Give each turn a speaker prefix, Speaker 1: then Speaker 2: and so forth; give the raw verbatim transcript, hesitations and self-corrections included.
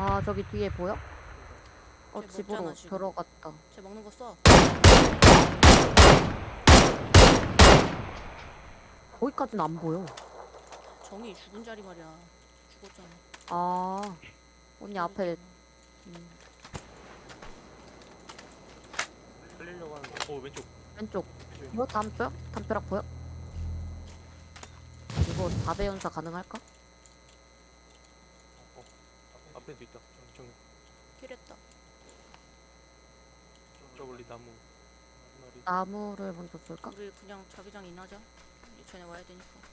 Speaker 1: 아 저기 뒤에 보여? 어
Speaker 2: 쟤
Speaker 1: 집으로
Speaker 2: 먹잖아, 지금.
Speaker 1: 들어갔다.
Speaker 2: 쟤 먹는 거 써.
Speaker 1: 거기까지는 안 보여.
Speaker 2: 정이 죽은 자리 말이야. 죽었잖아.
Speaker 1: 아 언니 앞에 음,
Speaker 3: 살리려고 하는데. 어 왼쪽.
Speaker 1: 왼쪽
Speaker 3: 왼쪽.
Speaker 1: 이거 담벼? 담벼락 보여? 이거 사 배 연사 가능할까?
Speaker 3: 어. 앞에도 있다. 정, 정,
Speaker 2: 킬했다.
Speaker 3: 저 멀리 나무. 한 마리.
Speaker 1: 나무를 먼저 쏠까?
Speaker 2: 우리 그냥 자기장 인하자. 이제 쟤네 와야 되니까.